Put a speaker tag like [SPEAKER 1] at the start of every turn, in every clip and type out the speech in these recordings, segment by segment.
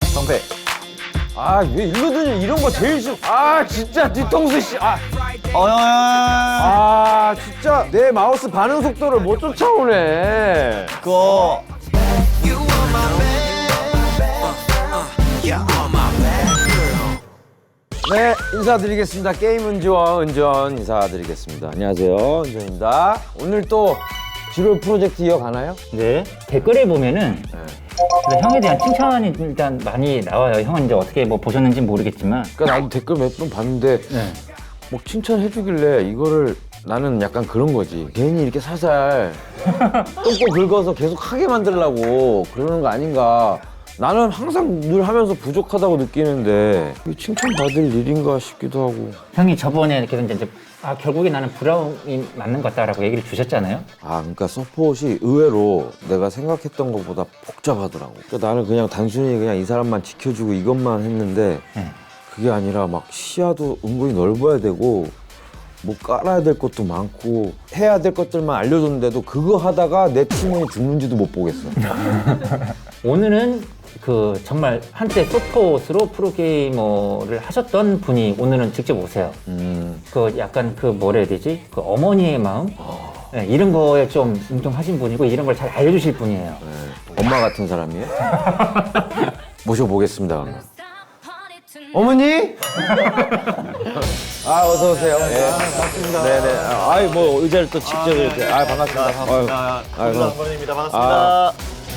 [SPEAKER 1] 방패.
[SPEAKER 2] 아, 왜 일로드니 이런 거 제일 싫어. 아, 진짜 뒤통수 씨. 진짜 내 마우스 반응 속도를 못 쫓아오네.
[SPEAKER 1] 그거
[SPEAKER 2] 네, 인사드리겠습니다. 게임 은지원 은전 인사드리겠습니다. 안녕하세요, 은전입니다. 오늘 또 지롤 프로젝트 이어가나요?
[SPEAKER 3] 네, 댓글에 보면은 그래서 형에 대한 칭찬이 일단 많이 나와요. 형은 이제 어떻게 뭐 보셨는지 모르겠지만.
[SPEAKER 2] 그러니까 나도 댓글 몇 번 봤는데
[SPEAKER 3] 네.
[SPEAKER 2] 뭐 칭찬해주길래 이거를 나는 약간 그런 거지. 괜히 이렇게 살살 똥꼬 긁어서 계속 하게 만들려고 그러는 거 아닌가. 나는 항상 늘 하면서 부족하다고 느끼는데 이게 칭찬받을 일인가 싶기도 하고.
[SPEAKER 3] 형이 저번에 이렇게 이제 결국에 나는 브라움이 맞는 것 같다라고 얘기를 주셨잖아요.
[SPEAKER 2] 그러니까 서폿이 의외로 내가 생각했던 것보다 복잡하더라고. 그러니까 나는 그냥 단순히 그냥 이 사람만 지켜주고 이것만 했는데 그게 아니라 막 시야도 은근히 넓어야 되고 뭐 깔아야 될 것도 많고 해야 될 것들만 알려줬는데도 그거 하다가 내 팀원이 죽는지도 못 보겠어.
[SPEAKER 3] 오늘은 그 정말 한때 서폿으로 프로게이머를 하셨던 분이 오늘은 직접 오세요. 그 약간 그 뭐라 해야 되지? 그 어머니의 마음? 네, 이런 거에 좀 뭉뚱하신 분이고 이런 걸 잘 알려주실 분이에요.
[SPEAKER 2] 엄마 같은 사람이에요? 모셔보겠습니다. 그러면. 어머니? 어서 오세요. 네. 반갑습니다. 네네. 뭐 의자를 또 직접 이렇게. 반갑습니다.
[SPEAKER 1] 반갑습니다. 감사합니다. 반갑습니다.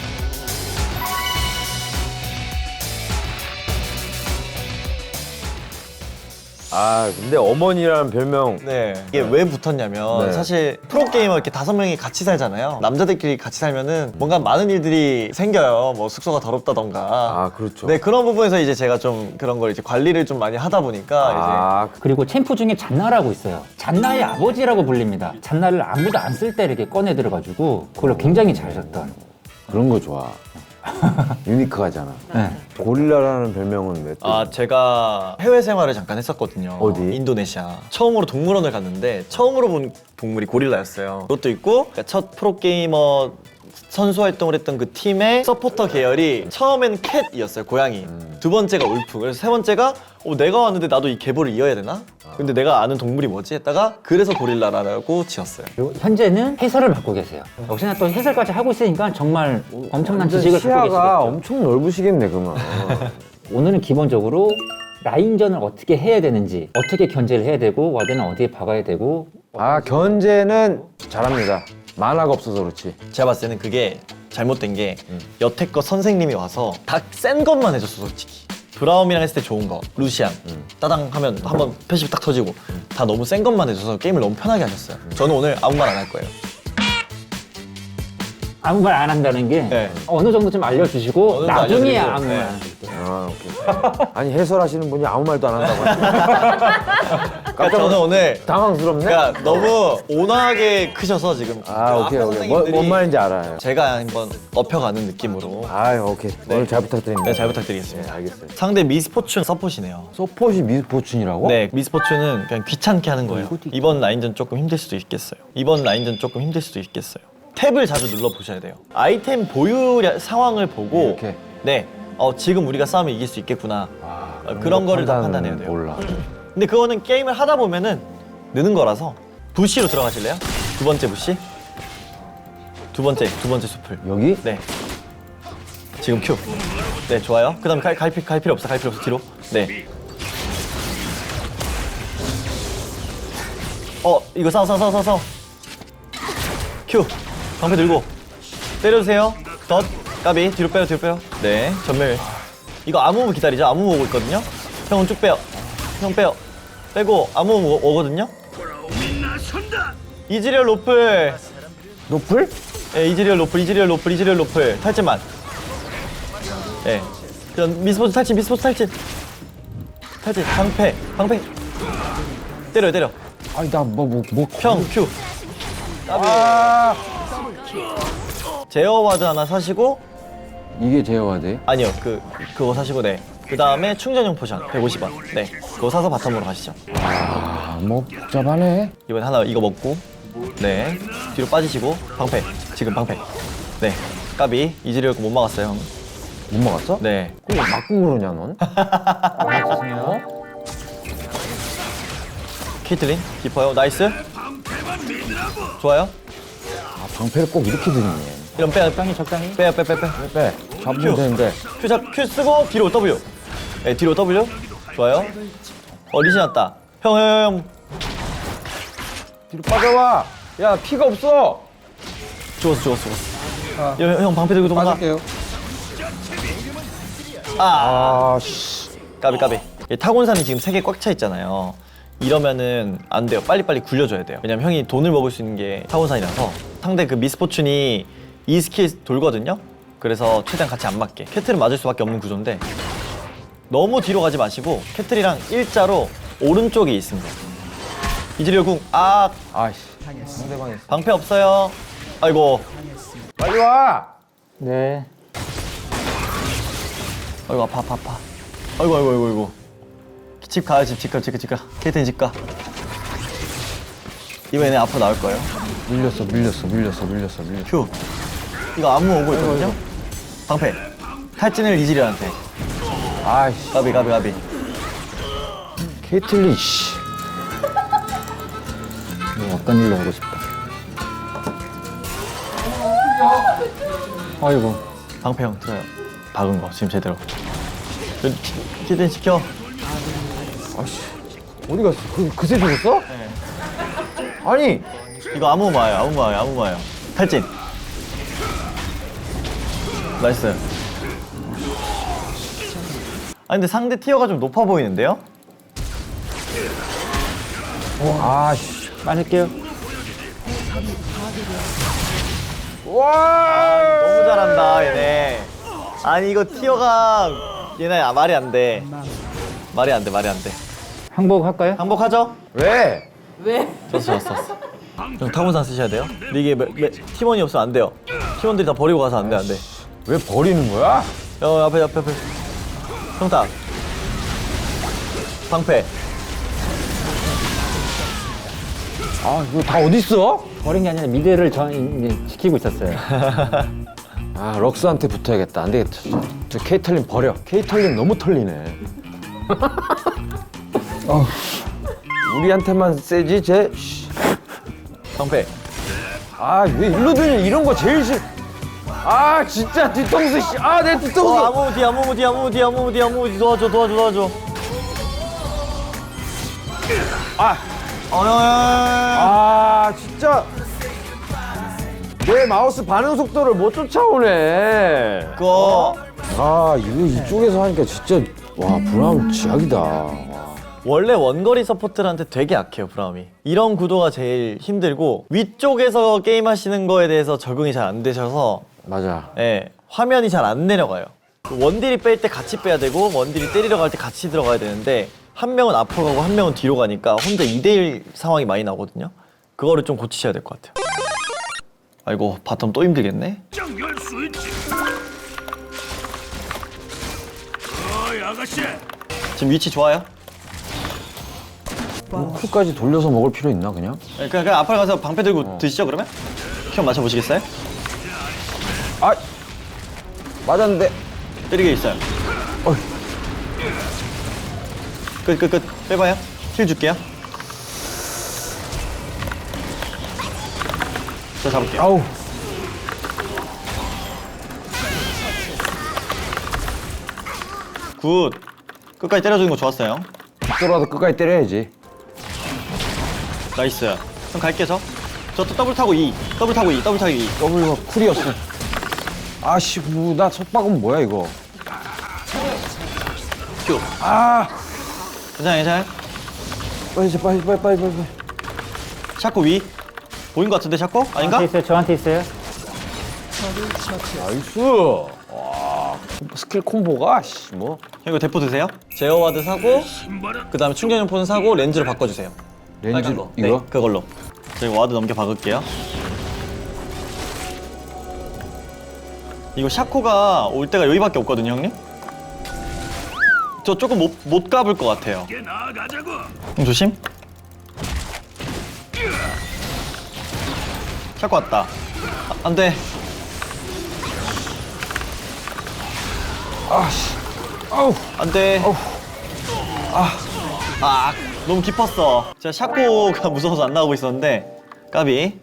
[SPEAKER 2] 근데 어머니라는 별명.
[SPEAKER 1] 네. 이게 왜 붙었냐면
[SPEAKER 2] 네.
[SPEAKER 1] 사실 프로게이머 이렇게 5명이 같이 살잖아요. 남자들끼리 같이 살면은 뭔가 많은 일들이 생겨요. 뭐 숙소가 더럽다던가.
[SPEAKER 2] 그렇죠.
[SPEAKER 1] 네, 그런 부분에서 이제 제가 좀 그런 걸 이제 관리를 좀 많이 하다 보니까
[SPEAKER 3] 그리고 챔프 중에 잔나라고 있어요. 잔나의 아버지라고 불립니다. 잔나를 아무도 안 쓸 때 이렇게 꺼내 들어가지고 그걸로 굉장히 잘 썼던.
[SPEAKER 2] 그런 거 좋아. 유니크하잖아.
[SPEAKER 3] 네.
[SPEAKER 2] 고릴라라는 별명은 왜?
[SPEAKER 1] 제가 해외 생활을 잠깐 했었거든요.
[SPEAKER 2] 어디?
[SPEAKER 1] 인도네시아. 처음으로 동물원을 갔는데 처음으로 본 동물이 고릴라였어요. 그것도 있고 그러니까 첫 프로게이머 선수 활동을 했던 그 팀의 서포터 계열이 처음엔 캣이었어요, 고양이. 두 번째가 울프. 그래서 세 번째가 내가 왔는데 나도 이 계보를 이어야 되나? 근데 내가 아는 동물이 뭐지? 했다가 그래서 고릴라라고 지었어요.
[SPEAKER 3] 그리고 현재는 해설을 맡고 계세요. 역시나 또 해설까지 하고 있으니까 정말 엄청난 지식을 갖고
[SPEAKER 2] 시야가
[SPEAKER 3] 계시겠죠.
[SPEAKER 2] 엄청 넓으시겠네, 그러면.
[SPEAKER 3] 오늘은 기본적으로 라인전을 어떻게 해야 되는지, 어떻게 견제를 해야 되고, 와드는 어디에 박아야 되고.
[SPEAKER 2] 견제는 잘합니다. 만화가 없어서 그렇지.
[SPEAKER 1] 제가 봤을 때는 그게 잘못된 게 여태껏 선생님이 와서 다 센 것만 해줬어, 솔직히. 브라움이랑 했을 때 좋은 거, 루시안, 따당 하면 한번 패시브 딱 터지고 다 너무 센 것만 해줘서 게임을 너무 편하게 하셨어요. 저는 오늘 아무 말 안 할 거예요.
[SPEAKER 3] 아무 말 안 한다는 게
[SPEAKER 1] 네.
[SPEAKER 3] 어느 정도 좀 알려주시고
[SPEAKER 1] 어느 정도
[SPEAKER 3] 나중에
[SPEAKER 1] 알려드리고,
[SPEAKER 3] 아무
[SPEAKER 1] 네.
[SPEAKER 3] 말 안 할게요.
[SPEAKER 2] 오케이. 아니, 해설하시는 분이 아무 말도 안 한다고 하시네.
[SPEAKER 1] 그러니까 저는 오늘
[SPEAKER 2] 당황스럽네?
[SPEAKER 1] 그러니까 너무 온화하게 크셔서 지금
[SPEAKER 2] 오케이.
[SPEAKER 1] 아까 선생님들이
[SPEAKER 2] 뭔 말인지 알아요.
[SPEAKER 1] 제가 한번 업혀가는 느낌으로
[SPEAKER 2] 오케이. 오늘 잘 부탁드립니다.
[SPEAKER 1] 네, 잘 부탁드리겠습니다.
[SPEAKER 2] 네, 알겠어요.
[SPEAKER 1] 상대 미스포춘 서폿이네요.
[SPEAKER 2] 서폿이 미스포춘이라고?
[SPEAKER 1] 네, 미스포춘은 그냥 귀찮게 하는 거예요. 이번 라인전 조금 힘들 수도 있겠어요. 탭을 자주 눌러 보셔야 돼요. 아이템 보유 상황을 보고
[SPEAKER 2] 이렇게?
[SPEAKER 1] 네, 지금 우리가 싸우면 이길 수 있겠구나. 그런 거를 다 판단해야 돼요.
[SPEAKER 2] 몰라.
[SPEAKER 1] 근데 그거는 게임을 하다 보면은 느는 거라서 부시로 들어가실래요? 두 번째 부시. 두 번째 수풀.
[SPEAKER 2] 여기?
[SPEAKER 1] 네. 지금 큐. 네, 좋아요. 그 다음에 갈 필요 없어, 뒤로. 네. 이거 싸워. 큐. 방패 들고. 때려주세요. 덧. 까비. 뒤로 빼요. 네, 전멸. 이거 아무무 기다리죠? 아무무 오고 있거든요? 형은 쭉 빼요. 형 빼요. 빼고 아무무 오거든요? 이즈리얼 로플.
[SPEAKER 2] 노플?
[SPEAKER 1] 예, 이즈리얼 로플. 탈진만. 예. 그럼 미스포츠 탈진. 탈진. 방패. 때려.
[SPEAKER 2] 아니, 나
[SPEAKER 1] 평, 큐. 까비. 제어와드 하나 사시고,
[SPEAKER 2] 이게 제어와드?
[SPEAKER 1] 아니요, 그거 사시고, 네. 그 다음에 충전용 포션 150원. 네. 그거 사서 바텀으로 가시죠.
[SPEAKER 2] 복잡하네.
[SPEAKER 1] 이번에 하나 이거 먹고, 네. 뒤로 빠지시고, 방패. 지금 방패. 네. 까비. 이즈리얼 거 못 막았어요, 형.
[SPEAKER 2] 못 막았어?
[SPEAKER 1] 네.
[SPEAKER 2] 그럼 왜 맞고 그러냐 넌?
[SPEAKER 3] 죄송해요.
[SPEAKER 1] 케이틀린 깊어요. 나이스. 좋아요.
[SPEAKER 2] 아 방패를 꼭 이렇게 드리네.
[SPEAKER 1] 이런 빼.
[SPEAKER 3] 적당히 적당히.
[SPEAKER 1] 빼.
[SPEAKER 2] 빼. 잡으면
[SPEAKER 1] 큐.
[SPEAKER 2] 되는데.
[SPEAKER 1] Q 쓰고 뒤로 W. 네, 뒤로 W. 좋아요. 리신 왔다. 형.
[SPEAKER 2] 뒤로 빠져봐. 야 피가 없어.
[SPEAKER 1] 죽었어. 형 방패 들고 도망가. 아,
[SPEAKER 2] 씨.
[SPEAKER 1] 까비. 이 타곤산이 지금 3개 꽉 차 있잖아요. 이러면은 안 돼요. 빨리빨리 굴려줘야 돼요. 왜냐면 형이 돈을 먹을 수 있는 게 타곤산이라서 상대 그 미스포춘이 이 스킬 돌거든요. 그래서 최대한 같이 안 맞게. 캐틀은 맞을 수밖에 없는 구조인데 너무 뒤로 가지 마시고 캐틀이랑 일자로 오른쪽에 있습니다. 이즈리얼 궁.
[SPEAKER 2] 아이씨. 상대방이 있어.
[SPEAKER 1] 방패 없어요. 아이고.
[SPEAKER 2] 빨리 와.
[SPEAKER 3] 네.
[SPEAKER 1] 아이고 아파. 아이고. 집 가요. 집 가. 케이틀린 집 가. 이번에 앞으로 나올 거예요.
[SPEAKER 2] 밀렸어.
[SPEAKER 1] 큐. 이거 안무 오고 있거든요. 방패. 탈진을 이즈리얼한테.
[SPEAKER 2] 아이씨.
[SPEAKER 1] 가비.
[SPEAKER 2] 케이틀린 씨.
[SPEAKER 3] 어떤 일로 하고 싶다. 아이고.
[SPEAKER 1] 방패 형 들어요. 박은 거 지금 제대로. 케이틀린 지켜.
[SPEAKER 2] 아씨. 어디 갔어? 그새 죽었어?
[SPEAKER 1] 네.
[SPEAKER 2] 아니.
[SPEAKER 1] 이거 아무 마요. 탈진. 나이스. 근데 상대 티어가 좀 높아 보이는데요?
[SPEAKER 2] 아씨.
[SPEAKER 3] 빠질게요.
[SPEAKER 2] 와.
[SPEAKER 1] 너무 잘한다 얘네. 아니 이거 티어가 얘네 말이 안 돼. 말이 안 돼.
[SPEAKER 3] 항복할까요?
[SPEAKER 1] 항복하죠?
[SPEAKER 2] 왜?
[SPEAKER 1] 졌어. 형 타곤산 쓰셔야 돼요. 근데 이게 팀원이 없으면 안 돼요. 팀원들이 다 버리고 가서 안 돼.
[SPEAKER 2] 왜 버리는 거야?
[SPEAKER 1] 앞에. 형탁. 방패.
[SPEAKER 2] 아 이거 다 어디 있어?
[SPEAKER 3] 버린 게 아니라 미드를 이제 지키고 있었어요.
[SPEAKER 2] 아 럭스한테 붙어야겠다. 안 되겠다. 저 케이틀린 버려. 케이틀린 너무 털리네. 우리한테만 세지 쟤.
[SPEAKER 1] 방패.
[SPEAKER 2] 아 왜 일로 드냐 이런 거 제일 싫. 아 진짜 뒤통수 씨. 아 내 뒤통수.
[SPEAKER 1] 아무 뒤 도와줘.
[SPEAKER 2] 아 진짜 내 마우스 반응 속도를 못 쫓아오네.
[SPEAKER 1] 그거
[SPEAKER 2] 아 이거 이쪽에서 하니까 진짜 와 브라운 쥐약이다. 와.
[SPEAKER 1] 원래 원거리 서포트한테 되게 약해요 브라움이. 이런 구도가 제일 힘들고 위쪽에서 게임 하시는 거에 대해서 적응이 잘 안 되셔서
[SPEAKER 2] 맞아.
[SPEAKER 1] 화면이 잘 안 내려가요. 원딜이 뺄 때 같이 빼야 되고 원딜이 때리러 갈 때 같이 들어가야 되는데 한 명은 앞으로 가고 한 명은 뒤로 가니까 혼자 2대1 상황이 많이 나거든요. 그거를 좀 고치셔야 될 것 같아요. 아이고 바텀 또 힘들겠네. 지금 위치 좋아요?
[SPEAKER 2] 쿨까지 돌려서 먹을 필요 있나 그냥?
[SPEAKER 1] 그냥 앞으로 가서 방패 들고 드시죠 그러면? 큐 맞춰보시겠어요?
[SPEAKER 2] 아 맞았는데.
[SPEAKER 1] 때리게 있어요. 끝. 빼봐요. 힐 줄게요. 저 잡을게요.
[SPEAKER 2] 아우.
[SPEAKER 1] 굿. 끝까지 때려주는 거 좋았어요.
[SPEAKER 2] 죽더라도 끝까지 때려야지.
[SPEAKER 1] 나이스. 그럼 갈게요 저. 저 또 더블 타고 2.
[SPEAKER 2] W가 쿨이었어. 아씨 나 속박은 뭐야 이거.
[SPEAKER 1] 큐.
[SPEAKER 2] 아
[SPEAKER 1] 괜찮아요.
[SPEAKER 2] 빨리.
[SPEAKER 1] 샤코 위. 보인 것 같은데 샤코? 아닌가?
[SPEAKER 3] 저한테 있어요.
[SPEAKER 2] 나이스. 와 스킬 콤보가 씨 뭐.
[SPEAKER 1] 형 이거 대포 드세요. 제어와드 사고 그 다음에 충전용포는 사고 렌즈로 바꿔주세요.
[SPEAKER 2] 렌즈
[SPEAKER 1] 빨간 거.
[SPEAKER 2] 이거?
[SPEAKER 1] 네, 그걸로. 저희 와드 넘겨 박을게요. 이거 샤코가 올 때가 여기밖에 없거든요, 형님. 저 조금 못 가볼 것 같아요. 형 조심. 샤코 왔다. 안 돼. 안돼. 너무 깊었어. 제가 샤코가 무서워서 안 나오고 있었는데 까비.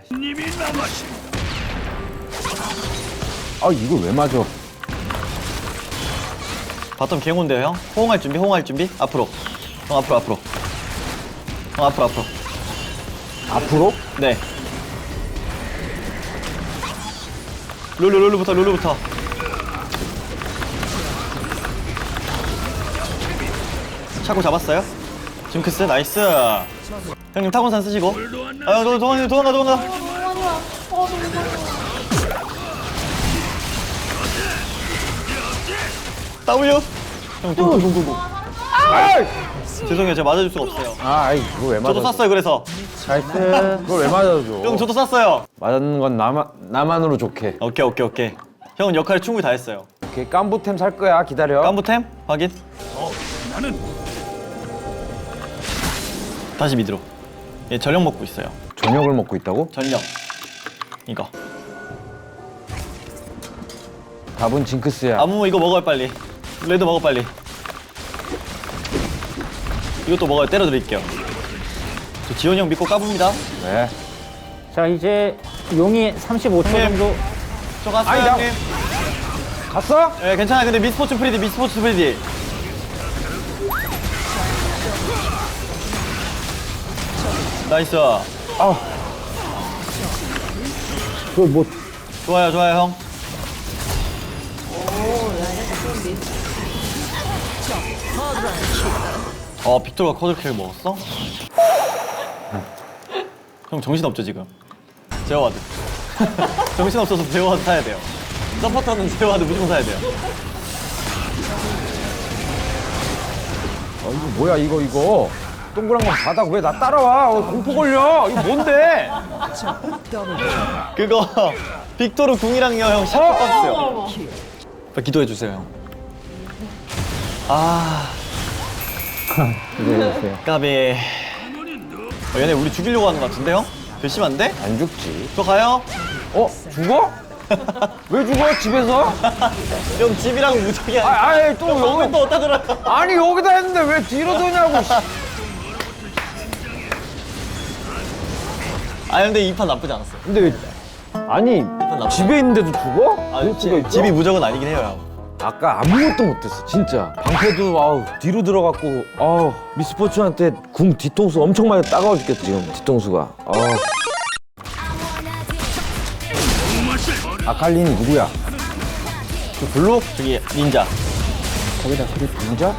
[SPEAKER 2] 이걸 왜 맞아?
[SPEAKER 1] 바텀 개온데요 형? 호응할 준비, 호응할 준비. 앞으로. 형 앞으로. 형 앞으로.
[SPEAKER 2] 앞으로?
[SPEAKER 1] 네. 룰루부터. 샤코 잡았어요? 징크스 나이스. 형님 타곤산 쓰시고. 형 도망가. W. 형 gung. 죄송해요, 제가 맞아줄 수가 없어요.
[SPEAKER 2] 그걸 왜
[SPEAKER 1] 저도
[SPEAKER 2] 맞아?
[SPEAKER 1] 쐈어요, 그래서.
[SPEAKER 3] 나이스.
[SPEAKER 2] 그걸 왜 맞아줘?
[SPEAKER 1] 형 저도 쐈어요.
[SPEAKER 2] 맞는 건 나만으로 좋게.
[SPEAKER 1] 오케이. 형은 역할을 충분히 다 했어요.
[SPEAKER 2] 오케이, 깜부템 살 거야. 기다려.
[SPEAKER 1] 깜부템 확인. 다시 미드로. 얘 전력 먹고 있어요.
[SPEAKER 2] 저녁을 먹고 있다고?
[SPEAKER 1] 전력. 이거.
[SPEAKER 2] 답은 징크스야.
[SPEAKER 1] 아무 이거 먹어요 빨리. 레드 먹어 빨리. 이것도 먹어요. 때려드릴게요. 저 지원이 형 믿고 까봅니다.
[SPEAKER 2] 네.
[SPEAKER 3] 자, 이제 용이 35초 정도.
[SPEAKER 1] 저 갔어요
[SPEAKER 2] 아니, 나-
[SPEAKER 1] 형님.
[SPEAKER 2] 갔어?
[SPEAKER 1] 예, 괜찮아. 근데 미스포츠 프리디. 나이스.
[SPEAKER 2] 그걸 뭐
[SPEAKER 1] 좋아요 형. 빅토르가 쿼드킬 먹었어? 형 정신없죠 지금? 제어와드. 정신없어서 제어와드 사야 돼요. 서포터는 제어와드 무조건 사야 돼요.
[SPEAKER 2] 이거 뭐야 이거 동그란 건 바닥 왜 나 따라와? 공포 걸려. 이거 뭔데?
[SPEAKER 1] 그거 빅토르 궁이랑요 형 샷 떴어요. 기도해 주세요 형.
[SPEAKER 3] 기다려주세요.
[SPEAKER 1] 까비. 얘네 우리 죽이려고 하는 것 같은데 형? 괘씸한데?
[SPEAKER 2] 안 죽지.
[SPEAKER 1] 저 가요?
[SPEAKER 2] 죽어? 왜 죽어? 집에서?
[SPEAKER 1] 형 집이랑 무적이 아니야.
[SPEAKER 2] 아니 또 여기
[SPEAKER 1] 또 어디다 들어요?
[SPEAKER 2] 아니 여기다 했는데 왜 뒤로 도냐고.
[SPEAKER 1] 근데 이 판 나쁘지 않았어요.
[SPEAKER 2] 근데 왜 아니
[SPEAKER 1] 나쁘다.
[SPEAKER 2] 집에 있는데도 죽어?
[SPEAKER 1] 집이 무적은 아니긴 해요 형.
[SPEAKER 2] 아까 아무것도 못했어 진짜. 방패도 뒤로 들어갔고 미스포츠한테 궁 뒤통수 엄청 많이 따가워 죽겠어 지금 뒤통수가. 아칼리는 누구야?
[SPEAKER 1] 저 블루? 저기 닌자.
[SPEAKER 2] 거기다 그게 닌자?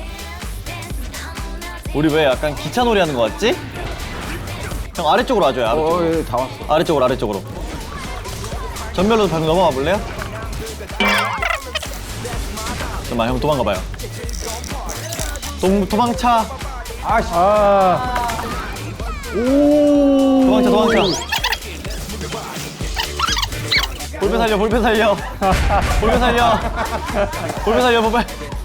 [SPEAKER 1] 우리 왜 약간 기차놀이 하는 거 같지? 형 아래쪽으로 와줘요 아래쪽으로.
[SPEAKER 2] 예, 다 왔어.
[SPEAKER 1] 아래쪽으로. 전멸로 방금 넘어가 볼래요? 잠깐만 형 도망가봐요. 도망차. 도망쳐. 볼펜 살려. 볼펜 살려.